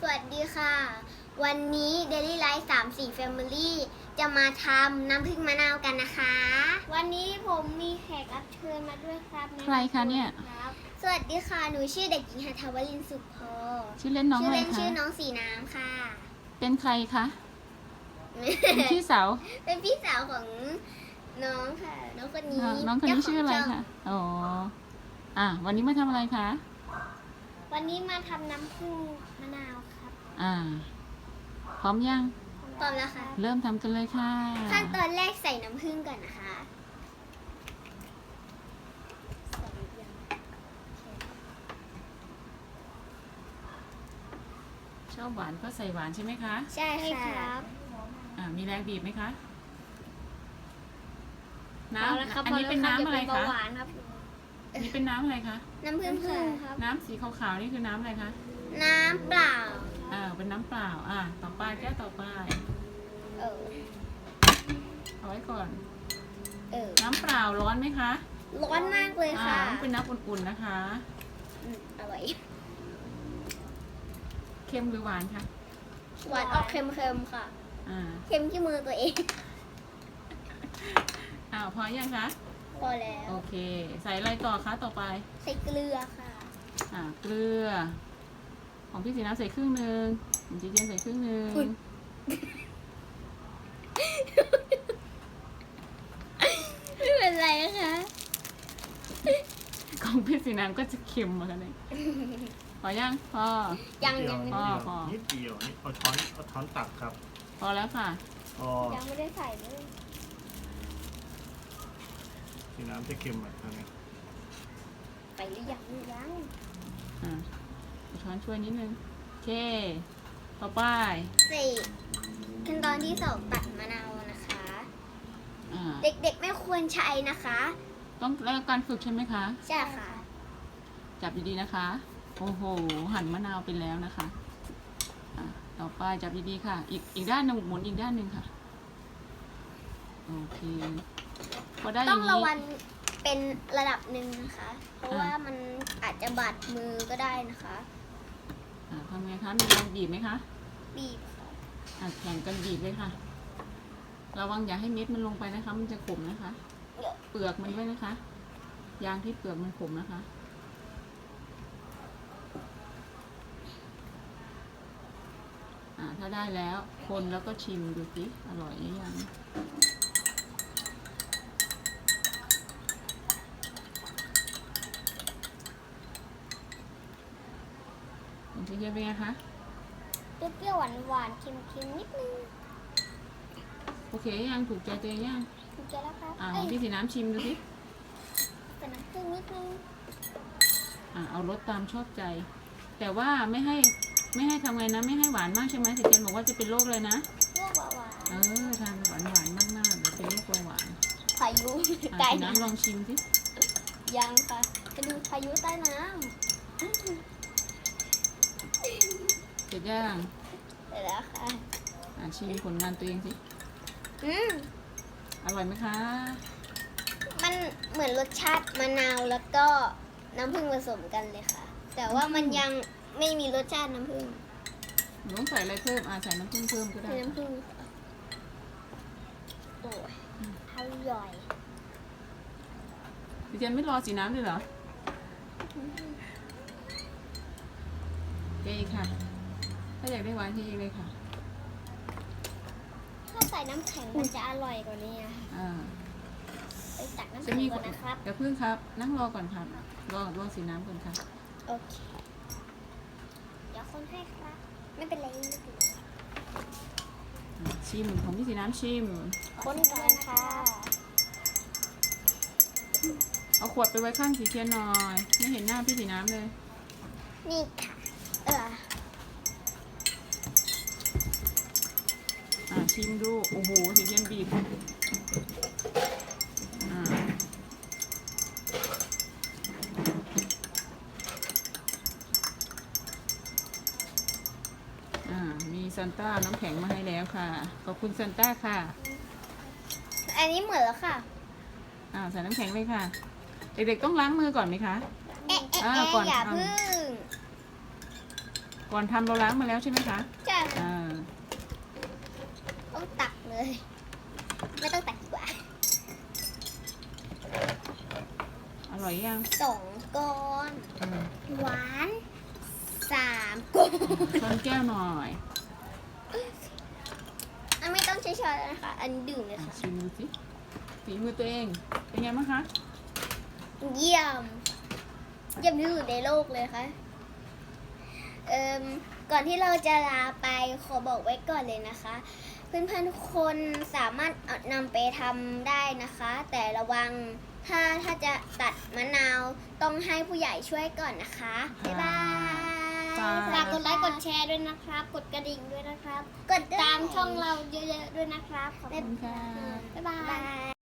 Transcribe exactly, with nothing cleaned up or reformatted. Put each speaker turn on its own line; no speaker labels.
สวัสดีค่ะ วันนี้ Daily Life สามสี่ Family จะมาทำน้ำผึ้งมะนาวกันนะคะ วันนี้ผมมีแขกรับเชิญมาด้วยครับ
ใครคะเนี่ย
สวัสดีค่ะ หนูชื่อเด็กหญิงหัทถวรินทร์สุขพอ
ชื่อเล่นน้อง
ชื่
อะ
อ
ไร
เล่น
คะ
ชื่อน้องสีน้ำค่ะ
เป็นใครคะ เป็นพี่สาว
เป็นพี่สาวของน้องค่ะ น้องคนนี้
น้องน้องคนนี้ชื่ออะไร
เจ้าขงช่
คะอ๋ออ่ะวันนี้มาทำอะไรคะ
วันนี้มาทำน้ำผึ้งมะนาวครับ
อ่า พร้อมยัง
ตอนแล้วค่ะ
เริ่มทำกันเลยค่ะ
ขั้นตอนแรกใส่น้ำผึ้งก่อนนะคะใส่ยัง
ชอบหวานก็ใส่หวานใช่ไหมคะ
ใช่ครับ
อ่า มีแรงบีบไหมคะ น้
พอแล้วครับ
ำอันนี้เป็นน้ำอะไร
พอแล้ว
คะ
เดี๋ยวเป็นเบาหวานครับ
อันนี้เป็นน้ำอะไรคะ
น้ำผึ้งครับ
น้ำสีขาวๆนี่คือน้ำอะไรคะ
น้ำเปล่า
อ่า เป็นน้ำเปล่า อ่า ต่อไปแก้วต่อไป
เออ
เอาไว้ก่อน
เออ
น้ำเปล่าร้อนไหมคะ
ร้อนมากเลย
อ่า
ค่ะ
เป็นน้ำอุ่นๆนะคะ
อืมอร่อย
เค็มหรือหวานคะ
หวานออกเค็มๆค่ะ
อ่า
เค็มที่มือตัวเอง
อ้าวพอยังคะ
พอแล้ว
โอเค ใส่อะไรต่อคะต่อไป
ใส่เกลือค่ะ
อ่า เกลือ ของพี่สีน้ำใส่ครึ่งหนึ่งของจีเจนใส่ครึ่งหนึ่ง
อุ๊ย ไม่เป็นไรนะคะ
ของพี่สีน้ำก็จะเค็มเหมือนกันเลยพอยังพอ
ยัง
นิดเดี
ยัง
นิด
พอ
เดียว
พอ
นิดเดียวนี่เอาช้อนเอาช้อนตักครับ
พอแล้วค่ะ
พอ
ยังไม่ได้ใส่เลย
สีน้ำจะเค็มอ่ะตอนนี้
ไปหรือยังยัง
อ่าเอาช้อนช่วยนิดนึงโอเค ต่อไป
ใส่ขั้นตอนที่สองตัดมะนาวนะคะ
อ่า
เด็กๆไม่ควรใช้นะคะ
ต้องแล้วการฝึกใช่ไหมคะ
ใช่ค่ะ
จับดีๆนะคะ โอ้โห หั่นมะนาวไปแล้วนะคะอ่ะต่อไปจับดีๆค่ะ อีกอีกด้านหนึ่งหมุนอีกด้านหนึ่งค่ะ โอเค พอได้อ
ต้อย่าง
ง
ระ
นี้
วังเป็นระดับหนึ่งนะคะ เพราะ
อ่า
ว่ามันอาจจะบาดมือก็ได้นะคะ
อ่ะทำไงคะ มีแรงบีบไหมคะ
บีบค่ะ
อ่ะแข่งกันบีบเลยค่ะ ระวังอย่าให้เม็ดมันลงไปนะคะ มันจะขมนะคะ เปลือกมันด้วยนะคะ ยางที่เปลือกมันขมนะคะ อ่าถ้าได้แล้วคนแล้วก็ชิมดูสิอร่อยหรือยังคุณพี่เทียบเป็นไงคะ
เปรี้ยวๆหวานๆเค็มๆนิดนึง
โอเคยังถูกใจตัวเองยัง
ถูกใจแล้วครับ
อ่า
เอ้ย
พี่สีน้ำชิมดูสิ
ใส่น้ำผึ้งนิดนึง
อ่าเอารสตามชอบใจ แต่ว่าไม่ให้ไม่ให้ทำไงนะ ไม่ให้หวานมากใช่ไหมสิเจนบอกว่าจะเป็นโรคเลยนะ
ลวกหวาน
เออทานหวานหวานๆมากๆเดี๋ยวเป็นโรคเบาหวาน
ๆพายุ
อ่ะ
ใต้
สี
น้
น้ำลองชิมสิ
ำยังค่ะจะดูพายุใต้น้
เสร็จย่าง
ำเสร็จแล้วค่ะ
อ่าชิมผลงานตัวเองสิ
อืม
อร่อยไหมคะ
มันเหมือนรสชาติมะนาวแล้วก็น้ำผึ้งผสมกันเลยค่ะ แต่ว่ามันยังไม่มีรสชาติน้ำผึ้ง
หนูต้องใส่อะไรเพิ่มอ่าใส่น้ำผึ้งเพิ่มก็ได้
ใส่
ค่ะ
น้ำผึ้งค่ะโอ้ยอร่อย
พี่เจนไม่รอสีน้ำเลยเหรอเจ๊อีกค่ะ ถ้าอยากได้หวานที่อีกเลยค่ะ
ถ้าใส่น้ำแข็งมันจะอร่อยกว่านี้อะค่ะ
อ่า
ไปตักน้ำ
จะ
แข็ง
มี
ก่อนนะครับ
เดี๋ยวพึ่งครับ นั่งรอก่อนครับ รอรอสีน้ำก่อนค่ะ
โอเค เดี๋ยวคนให้ครับ ไม่เป็นไรไม่เป็นไร
อ่าชิมของพี่สีน้ำชิม
คนก่อนค่ะ
เอาขวดไปไว้ข้างสีเทียนหน่อย ไม่เห็นหน้าพี่สีน้ำเลย
นี่ค่ะ เออ
อ่าชิมดู โอ้โหสีเทียนบีบอ่าอ่ามีซันต้าน้ำแข็งมาให้แล้วค่ะ ขอบคุณซันต้าค่ะ
อันนี้เหมือนแล้วค่ะ
อ่าใส่น้ำแข็งเลยค่ะ เด็กๆต้องล้างมือก่อนไหมคะ
เอ๊ะเอ๊ะ
อ่า
เอ๊ะ
ก่อน
อย่า
ทำ
พึ่ง
ก่อนทำเราล้างมาแล้วใช่ไหมคะ
ใช่ค่ะ
อ่า
ต้องตักเลย ไม่ต้องตักดีกว่า
อร่อยยัง
สองก้อน
อืม
หวานสามก้อน
ช้อนแก้วหน่อย
อันไม่ต้องใช้ช้อนนะคะ อันดื่มเลย
อ่ะ
ค่ะ
ชิมดูสิฝีมือตัวเอง เป็นไงบ้างคะ
เยี่ยม เยี่ยมที่สุดในโลกเลยค่ะ เอ่มก่อนที่เราจะลาไปขอบอกไว้ก่อนเลยนะคะ เพื่อนๆทุกคนสามารถเอานำไปทำได้นะคะ แต่ระวังถ้าถ้าจะตัดมะนาวต้องให้ผู้ใหญ่ช่วยก่อนนะคะ บ๊ายบาย
ค่ะ
ฝากกดไลค์กดแชร์ด้วยนะครับ กดกระดิ่งด้วยนะครับ กดตามช่องเราเยอะๆด้วยนะครับ ขอบ
ขอบ
คุ
คุณ ณค่ะ
บ๊ายบาย